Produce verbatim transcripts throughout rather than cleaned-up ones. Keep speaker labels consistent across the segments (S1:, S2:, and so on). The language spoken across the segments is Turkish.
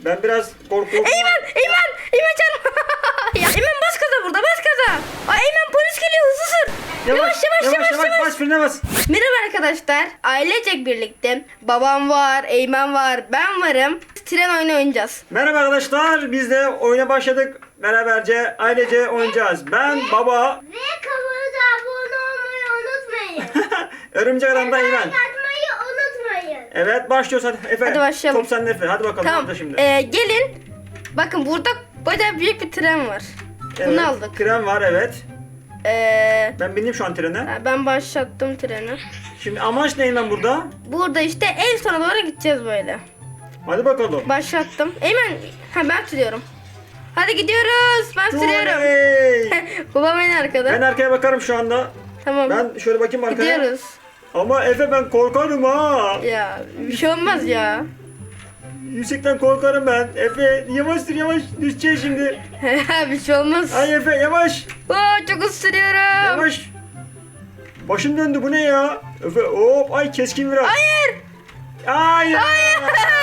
S1: Ben biraz korkuyorum.
S2: Eymen! Eymen! Eymen can! Ya Eymen bas gaza burada, bas gaza. Ay Eymen polis geliyor, hızlı sür. Yavaş yavaş yavaş yavaş.
S1: Bas frene bas.
S2: Merhaba arkadaşlar. Ailecek birlikte babam var, Eymen var, ben varım. Tren oyunu oynayacağız.
S1: Merhaba arkadaşlar. Biz de oyuna başladık. Beraberce ailece oynayacağız. Ben baba.
S3: Ve kanalımıza abone olmayı unutmayın.
S1: Örümcek Adam'da Eymen.
S3: Like atmayı unutmayın.
S1: Evet başlıyoruz hadi Efe.
S2: Hadi başlayalım.
S1: Top sende Efe. Hadi bakalım.
S2: Tamam.
S1: Tamam. Şimdi.
S2: Ee, gelin. Bakın burada bayağı büyük bir tren var.
S1: Evet,
S2: Bunu aldık.
S1: Tren var evet.
S2: Ee,
S1: Ben bindim şu an trene.
S2: ben başlattım treni.
S1: Şimdi amaç ne Eymen burada?
S2: Burada işte en sona doğru gideceğiz böyle.
S1: Hadi bakalım.
S2: Başlattım. Eymen, ha ben sürüyorum. Hadi gidiyoruz. Ben sürüyorum.
S1: Oley!
S2: Babam en arkada.
S1: Ben arkaya bakarım şu anda.
S2: Tamam.
S1: Ben şöyle bakayım arkaya.
S2: Gidiyoruz.
S1: Ama Efe ben korkarım ha.
S2: Ya bir şey olmaz ya.
S1: Yüksekten korkarım ben. Efe yavaş sür yavaş düşeceğiz şimdi.
S2: Bir şey olmaz.
S1: Ay Efe yavaş.
S2: Oo, çok hızlı sürüyorum.
S1: Yavaş. Başım döndü bu ne ya? Efe hop ay keskin biraz.
S2: Hayır.
S1: Hayır.
S2: Hayır.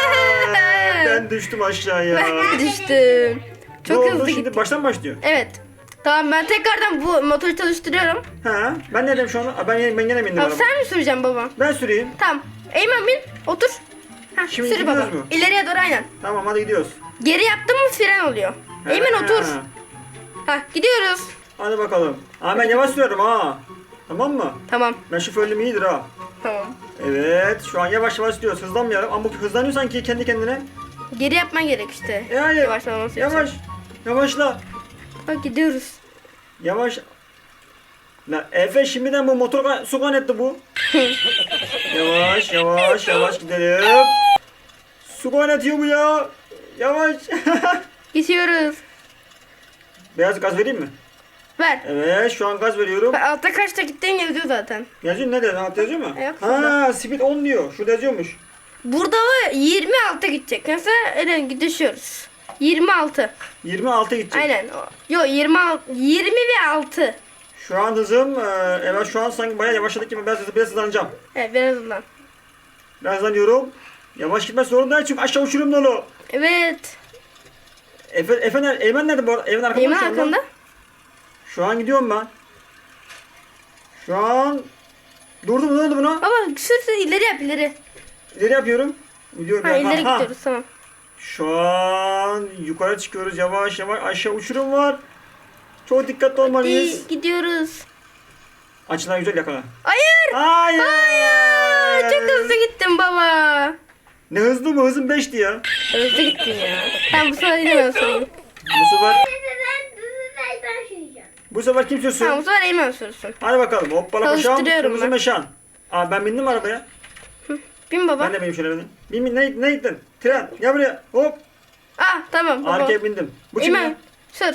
S1: Ben düştüm aşağıya.
S2: Ben düştüm. Çok
S1: ne oldu
S2: hızlı
S1: şimdi
S2: gittik.
S1: baştan başlıyor.
S2: Evet. Tamam ben tekrardan bu motoru çalıştırıyorum.
S1: Ha ben ne dedim şu an? Aa, Ben ben gene bindim
S2: Tamam
S1: araba.
S2: sen mi süreceksin baba?
S1: Ben süreyim.
S2: Tamam. Eymen bin. Otur. Heh,
S1: Şimdi
S2: sür baba.
S1: gidiyoruz mu?
S2: İleriye doğru aynen.
S1: Tamam hadi gidiyoruz.
S2: Geri yaptın mı fren oluyor. Eymen
S1: Ha.
S2: otur. Hah gidiyoruz.
S1: Hadi bakalım. Aa ben yavaş sürüyorum ha. Tamam mı?
S2: Tamam.
S1: Ben şoförlüğüm iyidir ha.
S2: Tamam.
S1: Evet şu an yavaş yavaş gidiyoruz. Hızlanmayalım ama bu hızlanıyor sanki kendi kendine.
S2: Geri yapman gerek işte.
S1: E hayır.
S2: Yavaşlaması için.
S1: Yavaş. Yavaşla.
S2: Bak gidiyoruz.
S1: Yavaş. La Efe şimdiden bu motor ka- su kaynattı bu. Yavaş yavaş yavaş gidelim. Su kaynatıyor bu ya. Yavaş.
S2: Gidiyoruz.
S1: Beyaz gaz vereyim mi?
S2: Ver.
S1: Evet şu an gaz veriyorum.
S2: Bak, altta kaçta gittiğin yazıyor zaten.
S1: Yazıyor ne diyor? Ha, yazıyor mu?
S2: Evet,
S1: Ha speed on diyor. Şurada yazıyormuş.
S2: Burada var yirmi altı gidecek. Mesela öyle düşüyoruz. yirmi altı.
S1: yirmi altı gidecek.
S2: Aynen. Yok yirmi altı. yirmi ve altı.
S1: Şu an hızım, e, evet şu an sanki bayağı yavaşladık gibi biraz, biraz hızlanacağım.
S2: Evet biraz hızlan.
S1: Biraz hızlanıyorum. Yavaş gitme sorun değil çünkü aşağı uçurum dolu.
S2: Evet.
S1: Efe, Efe nerede? Eymen nerede bu arada? Eymen arkamda.
S2: Eymen
S1: şu anda.
S2: arkanda.
S1: Şu an gidiyorum ben. Şu an... Durdum ne oldu buna?
S2: Baba sür sür ileri yap ileri.
S1: İleri yapıyorum. Gidiyorum.
S2: Ha
S1: ben.
S2: ileri
S1: Ha, ha.
S2: gidiyoruz tamam.
S1: Şu an yukarı çıkıyoruz yavaş yavaş. Aşağı uçurum var. Çok dikkatli olmalıyız.
S2: Hadi, gidiyoruz.
S1: Açılan güzel yakala.
S2: Hayır.
S1: Hayır.
S2: Hayır. Çok hızlı gittin baba.
S1: Ne hızlı mı? Hızım beşti ya.
S2: Hızlı gittin ya. Tamam bu sefer yine ben sorayım.
S1: Bu sefer,
S3: Ben ben ben süreceğim.
S1: bu sefer kim sürsün?
S2: Tamam bu sefer Eymen sürsün.
S1: Hadi bakalım. Hoppala paşam.
S2: Çalıştırıyorum
S1: Kırmızı
S2: ben.
S1: meşan. Aa ben bindim arabaya.
S2: Bin baba.
S1: Ben de benim şöyle bindim. Bin bin ne, ne gittin? Tren. Gel buraya. Hop.
S2: Ah tamam baba.
S1: Arkaya bindim. Bu kim ya?
S2: Eymen sür.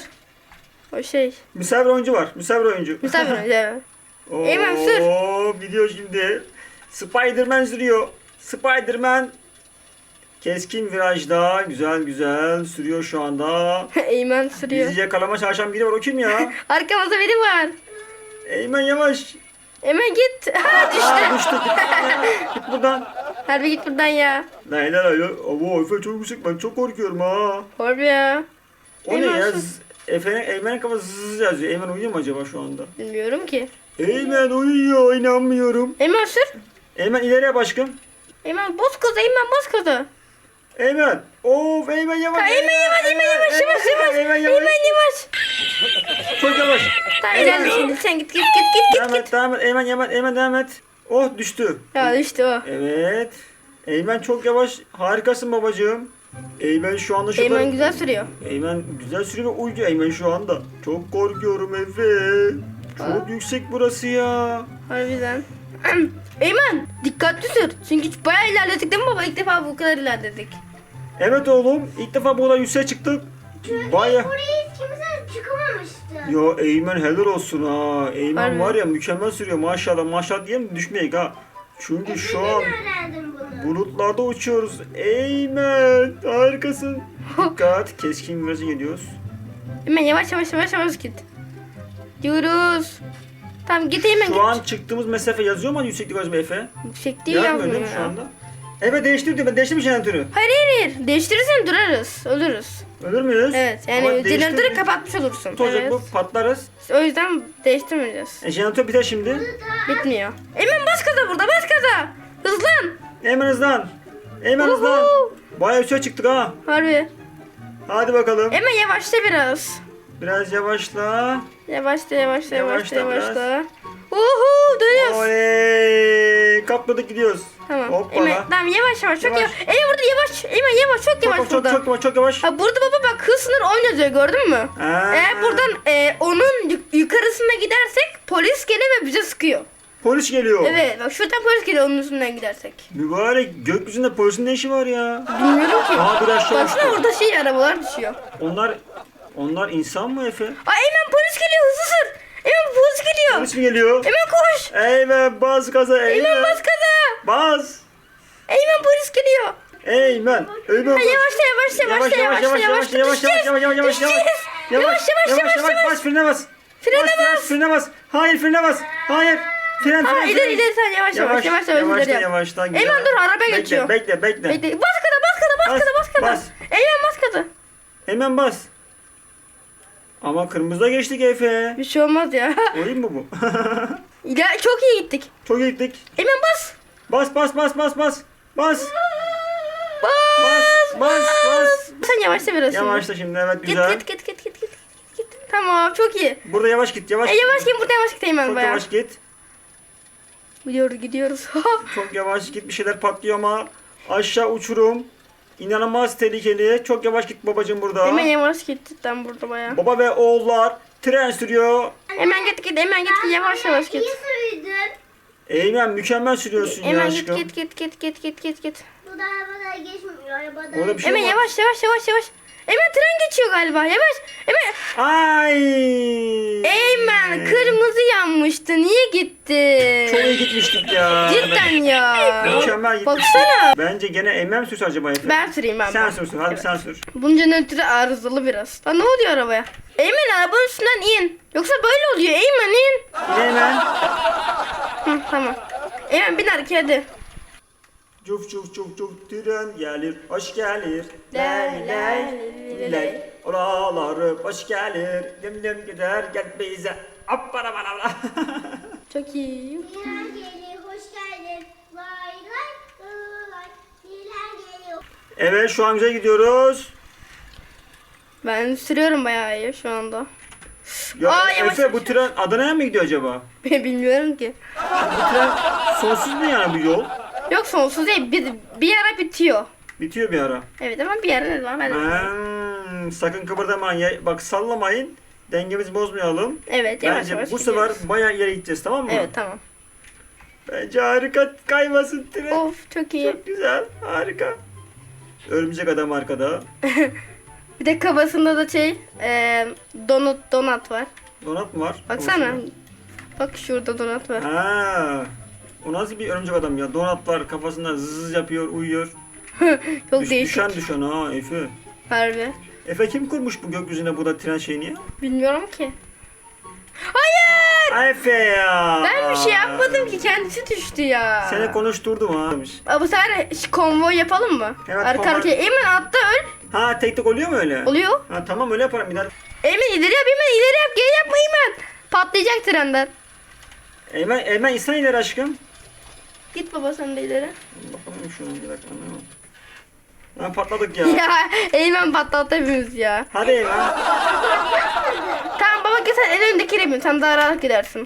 S2: O şey.
S1: Misafir oyuncu var. Misafir oyuncu.
S2: Misafir önce.
S1: Oo,
S2: Eymen sür.
S1: gidiyor şimdi. Spiderman sürüyor. Spiderman. Keskin virajda. Güzel güzel sürüyor şu anda.
S2: Eymen sürüyor.
S1: Bizi yakalama çalışan biri var. O kim ya?
S2: Arkamızda biri var.
S1: Eymen yavaş.
S2: Eymen git. Ha,
S1: Aa,
S2: düştü.
S1: düştü. Git, git buradan.
S2: Harbi git buradan ya.
S1: Lay lay lay. Abo Efe çok yüksek. Ben çok korkuyorum ha.
S2: Harbi ya.
S1: O ne
S2: Eymen
S1: ya?
S2: sus.
S1: Z- Efe'nin Eymen'in kafası zız yazıyor. Eymen uyuyor mu acaba şu anda?
S2: Bilmiyorum ki.
S1: Eymen uyuyor. İnanmıyorum.
S2: Eymen sür.
S1: Eymen ileriye başkım.
S2: Eymen boz kızı. Eymen boz kızı.
S1: Eymen. Of Eymen yavaş.
S2: Ha, Eymen yavaş. Eymen yavaş. Yavaş yavaş.
S1: Eymen
S2: Eymen
S1: yavaş.
S2: yavaş.
S1: Çok yavaş.
S2: Tamam ilerle şimdi. Sen git git git git
S1: Devam
S2: git.
S1: et, devam et. Eymen yavaş. Eymen devam et. Oh düştü.
S2: Ya düştü o.
S1: Evet. Eymen çok yavaş. Harikasın babacığım. Eymen şu anda şurada.
S2: Eymen güzel sürüyor.
S1: Eymen güzel sürüyor ve uyuyor Eymen şu anda. Çok korkuyorum Efe. Çok
S2: Ha.
S1: yüksek burası ya.
S2: Harbiden. Eymen dikkatli sür. Çünkü bayağı ilerledik değil mi baba? İlk defa bu kadar ilerledik.
S1: Evet oğlum. İlk defa bu kadar yükseğe çıktık. Baya.
S3: Buraya hiç kimse çıkamamıştı.
S1: Yo Eymen helal olsun ha. Eymen
S2: Harbi.
S1: var ya mükemmel sürüyor maşallah. Maşallah diye mi düşmeyek ha. Çünkü şu an
S3: Öğrendim bunu.
S1: bulutlarda uçuyoruz. Eymen harikasın. Dikkat keskin virajı geliyoruz.
S2: Eymen yavaş yavaş yavaş yavaş git. Diyoruz. Tamam git Eymen
S1: Şu
S2: git.
S1: an çıktığımız mesafe yazıyor mu yükseklik acaba Efe?
S2: Yüksek değil
S1: Yazmıyor değil
S2: yazmıyor
S1: mi şu
S2: ya.
S1: anda? Evet değiştir diyor. Ben değiştirdim jeneratörü.
S2: Hayır hayır hayır. Değiştirirsen durarız. Ölürüz.
S1: Ölür müyüz?
S2: Evet
S1: Ama
S2: yani
S1: değiştir-
S2: jeneratörü kapatmış olursun.
S1: Ne olacak
S2: Evet.
S1: bu? Patlarız.
S2: O yüzden değiştirmeyeceğiz.
S1: E, jeneratör biter şimdi.
S2: Bitmiyor. Eymen bas gaza burada bas gaza. Hızlan.
S1: Hemen hızlan. Hemen hızlan.
S2: Uhu.
S1: Bayağı üstüne çıktık ha.
S2: Harbi.
S1: Hadi bakalım.
S2: Eymen yavaşla biraz.
S1: Biraz yavaşla.
S2: Yavaşla yavaşla yavaşla
S1: Yavaşla biraz.
S2: yavaşla. Uhu dönüyoruz.
S1: Oley. Kapladık gidiyoruz.
S2: Tamam.
S1: Hoppala.
S2: Eymen tamam yavaş yavaş çok
S1: Yavaş.
S2: yavaş. Eymen burada yavaş. Eymen yavaş çok yavaş
S1: Çok çok
S2: burada.
S1: çok yavaş çok yavaş.
S2: Ha burada baba bak hız sınır on yazıyor gördün mü?
S1: Ha.
S2: Eğer buradan e, onun yuk- yukarısına gidersek polis geliyor ve bize sıkıyor.
S1: Polis geliyor.
S2: Evet bak şuradan polis geliyor onun üstünden gidersek.
S1: Mübarek gökyüzünde polisin ne işi var ya?
S2: Bilmiyorum ki.
S1: Aa, bir aşağı
S2: Baksana
S1: uçtu.
S2: orada şey arabalar düşüyor.
S1: Onlar onlar insan mı Efe?
S2: Aa Eymen polis geliyor hızlı sür. Eymen polis geliyor.
S1: Polis mi geliyor?
S2: Eymen koş.
S1: Eymen bas gaza Eymen.
S2: Eymen bas gaza.
S1: Bas.
S2: Eymen polis geliyor.
S1: Eymen. Eymen.
S2: Ha, yavaşla yavaşla yavaşla yavaşla yavaşla
S1: yavaş yavaş yavaş yavaş yavaş
S2: Düşeceğiz.
S1: yavaş
S2: Yavaş yavaş yavaş yavaş.
S1: bas frene bas.
S2: Frene
S1: Bas,
S2: bas.
S1: Frene bas. Hayır frene bas. Hayır. Fren
S2: Aa
S1: fren.
S2: ileri
S1: fren.
S2: ileri sen yavaş yavaş yavaş yavaş
S1: yavaşla
S2: ileri yap.
S1: yavaşla. güzel.
S2: Eymen dur araba
S1: Bekle,
S2: geçiyor.
S1: Bekle bekle.
S2: Bekle. Bas gaza bas gaza bas
S1: Bas,
S2: gaza bas gaza.
S1: bas.
S2: Eymen bas gaza.
S1: Hemen bas. Ama kırmızıda geçtik Efe.
S2: Bir şey olmaz ya.
S1: Oyun mu bu?
S2: Ya çok iyi gittik.
S1: Çok iyi gittik.
S2: Eymen bas.
S1: Bas bas bas bas bas. Bas.
S2: Bas.
S1: Bas bas bas.
S2: Sen yavaşla biraz. şimdi.
S1: Yavaşla şimdi evet
S2: Git
S1: güzel.
S2: git git git git git. Git. Tamam çok iyi.
S1: Burada yavaş git yavaş.
S2: E yavaş git burada yavaş git Eymen
S1: Çok
S2: bayağı.
S1: yavaş git.
S2: Gidiyoruz gidiyoruz.
S1: Çok yavaş git bir şeyler patlıyor ama aşağı uçurum. İnanılmaz tehlikeli. Çok yavaş git babacığım burada.
S2: Eymen yavaş git cidden burada bayağı.
S1: Baba ve oğullar tren sürüyor.
S2: Hemen git git hemen git yavaş yavaş git.
S3: İyi sürdün.
S1: Eymen mükemmel sürüyorsun ya
S2: Hemen git
S1: aşkım.
S2: git git git git git git git.
S3: Bu da arabalar geçmiyor. Arabalar.
S1: Orada bir şey
S2: Hemen
S1: var.
S2: yavaş yavaş yavaş yavaş. Eymen tren geçiyor galiba yavaş. Eymen.
S1: Ay.
S2: Eymen kırmızı yanmıştı niye gitti?
S1: Çok iyi gitmiştik ya.
S2: Cidden ya.
S1: Mükemmel gitmiştik.
S2: Baksana.
S1: Bence gene Eymen mi sürse acaba Efe?
S2: Ben süreyim ben.
S1: Sen
S2: ben.
S1: sürsün hadi
S2: Evet.
S1: sen sür.
S2: Bunca nötrü arızalı biraz. Lan ne oluyor arabaya? Eymen arabanın üstünden in. Yoksa böyle oluyor. Eymen in.
S1: Yine Eymen.
S2: Hı, tamam. Eymen bin arkaya hadi.
S1: Cuf cuf cuf cuf tren gelir, hoş gelir.
S2: Lay,
S1: Lay
S2: lay,
S1: lay lay. Oraları hoş gelir. Dim dim gider gel bize. Appara bana bana.
S2: Çok iyi.
S3: Dilan geliyor. Hoş geldin. Vay vay vay. Dilan geliyor.
S1: Evet şu an güzel gidiyoruz.
S2: Ben sürüyorum bayağı iyi şu anda.
S1: Ya
S2: Aa, yavaş,
S1: Efe
S2: yavaş,
S1: bu tren Adana'ya mı gidiyor acaba?
S2: Bilmiyorum ki.
S1: Bu tren sonsuz mu yani bu yol?
S2: Yok sonsuz değil. Bir, bir ara bitiyor.
S1: Bitiyor bir ara.
S2: Evet ama bir ara ne zaman ben de-
S1: Hmm, sakın kıpırdamayın. Ya- Bak sallamayın. Dengemizi bozmayalım.
S2: Evet yavaş
S1: Bence
S2: yavaş
S1: bu sefer
S2: gidiyoruz.
S1: bayağı ileri gideceğiz tamam mı?
S2: Evet tamam.
S1: Bence harika kaymasın tren.
S2: Of çok iyi.
S1: Çok güzel harika. Örümcek adam arkada.
S2: Bir de kafasında da şey e, donut donat var.
S1: Donat mı var?
S2: Baksana.
S1: Kafasında?
S2: Bak şurada donat var.
S1: Ha. O nasıl bir örümcek adam ya? Donatlar kafasında zız yapıyor, uyuyor.
S2: Çok
S1: Düş-
S2: değişik.
S1: düşen düşen ha Efe.
S2: Harbi.
S1: Efe kim kurmuş bu gökyüzüne bu da tren şeyini ya?
S2: Bilmiyorum ki. Hayır!
S1: Ay Efe ya.
S2: Ben bir şey yapmadım ki kendisi düştü ya.
S1: Seni konuşturdum ha.
S2: Aa, bu sefer ş- konvoy yapalım mı?
S1: Evet,
S2: Arka
S1: konvoy.
S2: arkaya. Eymen atla öl.
S1: Ha tek tek oluyor mu öyle?
S2: Oluyor.
S1: Ha tamam öyle yaparım bir daha.
S2: Eymen ileri yap Eymen ileri yap geri yapma Eymen. Patlayacak trenden.
S1: Eymen, Eymen insan ileri aşkım.
S2: Git baba sen de ileri.
S1: Bakalım şunu bir dakika. Ha patladık ya.
S2: Ya Eymen patlattı hepimiz ya.
S1: Hadi Eymen.
S2: Tamam baba git sen en öndekiyle bin. Sen daha rahat gidersin.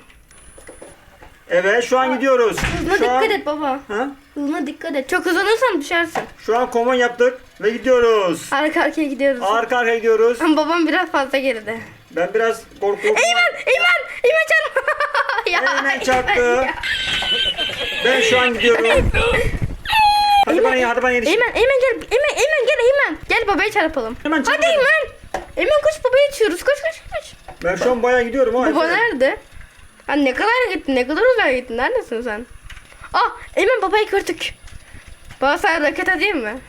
S1: Evet şu an gidiyoruz.
S2: Hızına
S1: Şu
S2: dikkat
S1: an,
S2: et baba.
S1: ha?
S2: Hızına dikkat et. Çok hızlanırsan düşersin.
S1: Şu an konvoy yaptık ve gidiyoruz.
S2: Arka arkaya gidiyoruz.
S1: Arka arkaya gidiyoruz.
S2: Ama babam biraz fazla geride.
S1: Ben biraz korkuyorum.
S2: Eymen! Eymen! Eymen çarp! ya,
S1: Eymen çarptı.
S2: ya.
S1: Ben şu an gidiyorum. Hadi bana hadi bana yetiş.
S2: Eymen, Eymen gel. Eymen, Eymen gel Eymen. Gel babaya çarpalım.
S1: Hemen çarpalım.
S2: Hadi Eymen. Eymen koş babaya yetişiyoruz. Koş koş koş.
S1: Ben şu an bayağı gidiyorum ha.
S2: Baba
S1: Efe.
S2: nerede? Ha, ne kadar gittin? Ne kadar uzağa gittin? Neredesin sen? Ah Eymen babayı gördük. Baba sana roket atayım mı?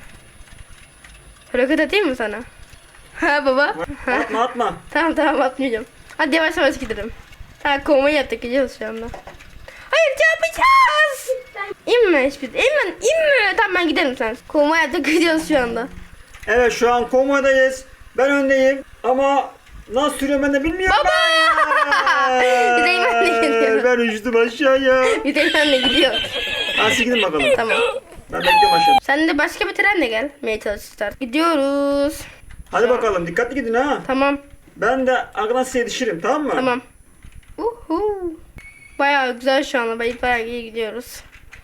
S2: Roket atayım mı sana? Ha baba. Ha.
S1: Atma atma.
S2: Tamam tamam atmayacağım. Hadi yavaş yavaş gidelim. Ha konvoy yaptık gidiyoruz şu anda. Hayır çarpacağız.
S3: Ben
S2: İnme hiçbir. İnme, inme. Tamam ben giderim sen. Konvoya da gidiyoruz şu anda.
S1: Evet şu an konvoydayız. Ben öndeyim ama nasıl sürüyorum ben de bilmiyorum.
S2: Baba! Bir de Eymen de gidiyor.
S1: Ben uçtum aşağıya.
S2: Bir de Eymen de gidiyor.
S1: Hadi siz gidin bakalım.
S2: Tamam.
S1: Ben bekliyorum aşağıda.
S2: Sen de başka bir trenle gel. Meye çalışırlar. Gidiyoruz.
S1: Hadi bakalım dikkatli gidin ha.
S2: Tamam.
S1: Ben de arkadan size yetişirim tamam mı?
S2: Tamam. Uhu. Bayağı güzel şu anda. Bayağı, bayağı iyi gidiyoruz.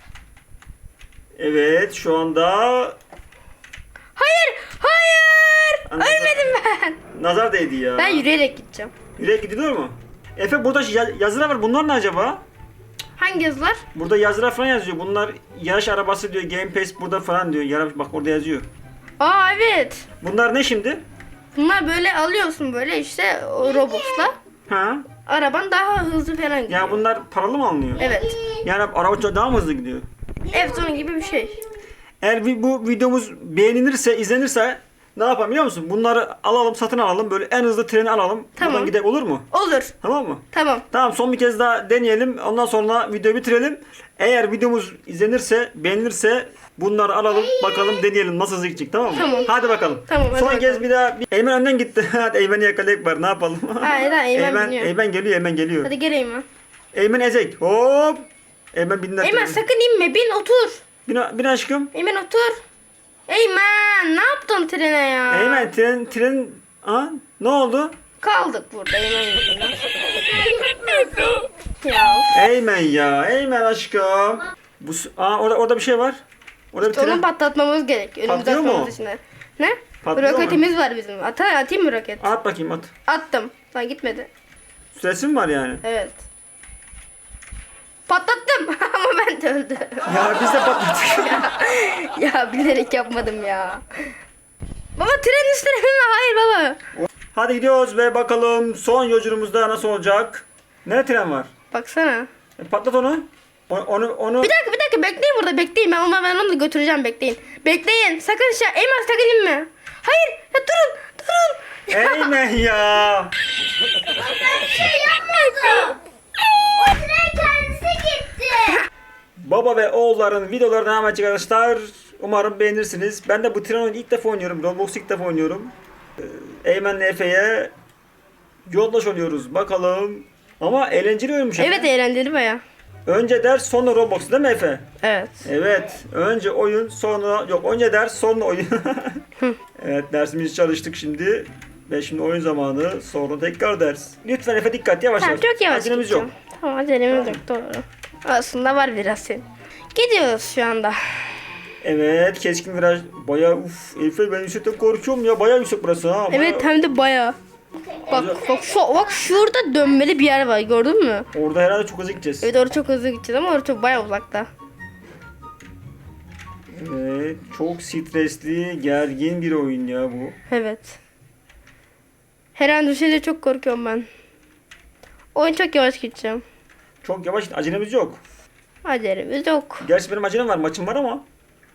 S1: Evet şu anda
S2: Hayır! Hayır!
S1: Anladım.
S2: Ölmedim ben.
S1: nazar değdi ya.
S2: Ben yürüyerek gideceğim.
S1: Yürek gidiyor mu? Efe burada ya- yazılar var. Bunlar ne acaba?
S2: Hangi yazılar?
S1: Burada yazılar falan yazıyor. Bunlar yarış arabası diyor. Game Pass burada falan diyor. Yarış bak orada yazıyor.
S2: Aa evet.
S1: Bunlar ne şimdi?
S2: Bunlar böyle alıyorsun böyle işte o Robux'la.
S1: Ha?
S2: Araban daha hızlı falan gidiyor.
S1: Ya bunlar paralı mı alınıyor?
S2: Evet.
S1: Yani araba çok daha mı hızlı gidiyor?
S2: Evet onun gibi bir şey.
S1: Eğer vi- bu videomuz beğenilirse, izlenirse ne yapalım biliyor musun? Bunları alalım, satın alalım. Böyle en hızlı treni alalım.
S2: Tamam.
S1: Buradan gidelim olur mu?
S2: Olur.
S1: Tamam mı?
S2: Tamam.
S1: Tamam son bir kez daha deneyelim. Ondan sonra videoyu bitirelim. Eğer videomuz izlenirse, beğenilirse bunları alalım. Bakalım deneyelim nasıl hızlı gidecek tamam mı?
S2: Tamam.
S1: Hadi bakalım.
S2: Tamam, hadi
S1: son
S2: bakalım.
S1: kez bir daha. Bir... Eymen önden gitti. Hadi Eymen'i yakalayıp var ne yapalım?
S2: Hayır, hayır, Eymen
S1: Eymen,
S2: biniyor.
S1: Eymen geliyor, Eymen geliyor.
S2: Hadi geleyim ben.
S1: Eymen ezek. Hop. Eymen bindi.
S2: Eymen sakın inme. Bin otur.
S1: Bin, bin aşkım.
S2: Eymen otur. Eymen ne yaptın trene ya?
S1: Eymen tren tren ha ne oldu?
S2: Kaldık burada Eymen yüzünden. ya.
S1: Eymen ya. Eymen aşkım. Bu s- aa orada orada bir şey var. Orada bir
S2: Onu
S1: tren.
S2: patlatmamız gerek. Önümüzde
S1: Patlıyor mu?
S2: atmamız için. Ne?
S1: Patlıyor mu?
S2: Roketimiz var bizim. Ata atayım mı roket?
S1: At bakayım at.
S2: Attım. Daha gitmedi.
S1: Süresi mi var yani?
S2: Evet. Patlattım ama ben de öldüm.
S1: Ya biz de patlattık.
S2: ya bilerek yapmadım ya. Baba tren üstüne mi? Hayır baba.
S1: Hadi gidiyoruz ve bakalım son yolculuğumuzda nasıl olacak? Nerede tren var?
S2: Baksana.
S1: E, patlat onu. O- Onu onu.
S2: Bir dakika bir dakika bekleyin burada bekleyin. Ben onu, ben onu da götüreceğim bekleyin. Bekleyin. Sakın şey Eymen sakın inme. Hayır ya durun durun.
S1: Eymen ya.
S3: Ben şey yapmadım. O tren kendisi gitti.
S1: Baba ve oğulların videoları devam edecek arkadaşlar. Umarım beğenirsiniz. Ben de bu tren oyunu ilk defa oynuyorum. Roblox ilk defa oynuyorum. Ee, Eymen'le Efe'ye yoldaş oluyoruz. Bakalım. Ama eğlenceli oyunmuş. Efe.
S2: Evet eğlenceli baya.
S1: Önce ders sonra Roblox değil mi Efe?
S2: Evet.
S1: Evet. Önce oyun sonra yok önce ders sonra oyun. Evet dersimizi çalıştık şimdi. Ve şimdi oyun zamanı sonra tekrar ders. Lütfen Efe dikkat yavaş
S2: Tamam
S1: yavaş.
S2: çok yavaş
S1: Acelemiz
S2: gideceğim.
S1: yok.
S2: Tamam acelemiz yok doğru. Aslında var biraz senin. Gidiyoruz şu anda.
S1: Evet keskin viraj. Bayağı uf Efe ben yüksekten korkuyorum ya. Bayağı yüksek burası ha. Bayağı-
S2: Evet hem de baya. Bak bak şu, bak şurada dönmeli bir yer var gördün mü?
S1: Orada herhalde çok hızlı gideceğiz.
S2: Evet orada çok hızlı gideceğiz ama orada çok baya uzakta.
S1: Evet, çok stresli, gergin bir oyun ya bu.
S2: Evet. Her an düşeceğe çok korkuyorum ben. Oyun çok yavaş gideceğim.
S1: Çok yavaş, acelemiz yok.
S2: Acelemiz yok.
S1: Gerçi benim acelem var, maçım var ama.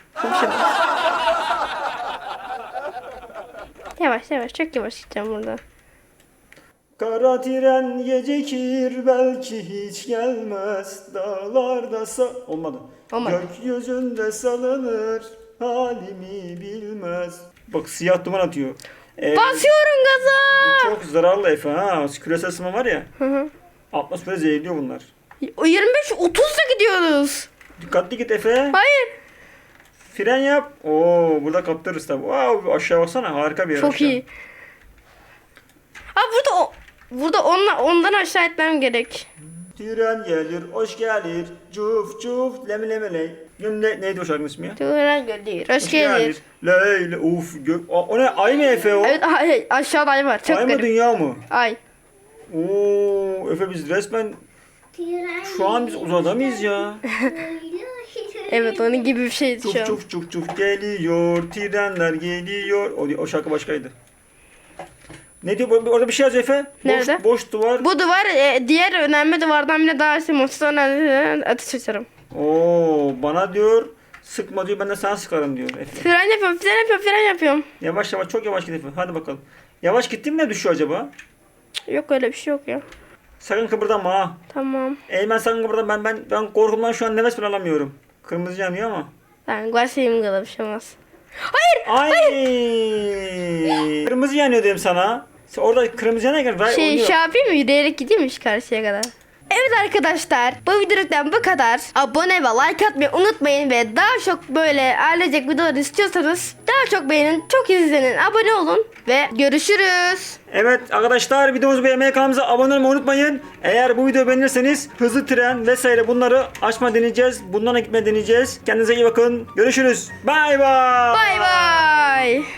S2: Yavaş yavaş çok yavaş gideceğim burada.
S1: Kara tren gecikir belki hiç gelmez. Dağlarda sa... Olmadı.
S2: Olmadı.
S1: Gökyüzünde salınır, halimi bilmez. Bak siyah duman atıyor. Ee,
S2: Basıyorum gaza.
S1: çok zararlı Efe ha. Küresel ısınma var ya.
S2: Hı hı.
S1: Atmosfere zehirliyor bunlar.
S2: O yirmi beş otuzda gidiyoruz.
S1: Dikkatli git Efe.
S2: Hayır.
S1: Fren yap. Oo burada kaptırırız tabi. Wow, aşağı baksana harika bir yer
S2: Çok
S1: aşağı.
S2: iyi. Ha burada o burada onla, ondan aşağı etmem gerek.
S1: Tren gelir, hoş gelir. Cuf cuf, lemi lemi ley. Ne, neydi o şarkının ismi ya?
S2: Tuğran gelir. Hoş gelir.
S1: Ley ley, uf. Gö o, o ne? Ay mı Efe o?
S2: Evet ay, aşağıda ay var. Çok
S1: Ay mı
S2: garip.
S1: dünya mı?
S2: Ay.
S1: Oo, Efe biz resmen şu an biz uzada mıyız ya?
S2: Evet onun gibi bir şeydi şu
S1: Çuf
S2: an.
S1: çuf çuf çuf geliyor, trenler geliyor. O, o şarkı başkaydı. Ne diyor? Orada bir şey yazıyor Efe.
S2: Nerede?
S1: Boş, boş duvar.
S2: Bu duvar e, diğer önemli duvardan bile daha simonsuz önemli ateş açarım.
S1: Oo, bana diyor sıkma diyor, ben de sana sıkarım diyor Efe.
S2: Fren yapıyorum, fren yapıyorum, fren yapıyorum.
S1: Yavaş yavaş, çok yavaş git Efe. Hadi bakalım. Yavaş gittin mi ne düşüyor acaba?
S2: Yok öyle bir şey yok ya.
S1: Sakın kıpırdama ha.
S2: Tamam.
S1: Eymen sakın kıpırdama. Ben ben ben korkumdan şu an nefes bile alamıyorum. Kırmızı yanıyor ama.
S2: Ben başlayayım kadar bir şey olmaz. Hayır.
S1: Ay. Kırmızı yanıyor dedim sana. Sen orada kırmızı yanarken Ray
S2: Şey,
S1: oynuyor.
S2: şey yapayım mı? Yürüyerek gideyim mi şu karşıya kadar? Evet arkadaşlar, bu videodan bu kadar. Abone ve like atmayı unutmayın ve daha çok böyle ailecek videolar istiyorsanız daha çok beğenin, çok izlenin, abone olun ve görüşürüz.
S1: Evet arkadaşlar, videomuzu beğenmeyi, kanalımıza abone olmayı unutmayın. Eğer bu videoyu beğenirseniz hızlı tren vesaire bunları açma deneyeceğiz. Bunlarla gitme deneyeceğiz. Kendinize iyi bakın. Görüşürüz. Bay bay.
S2: Bay bay.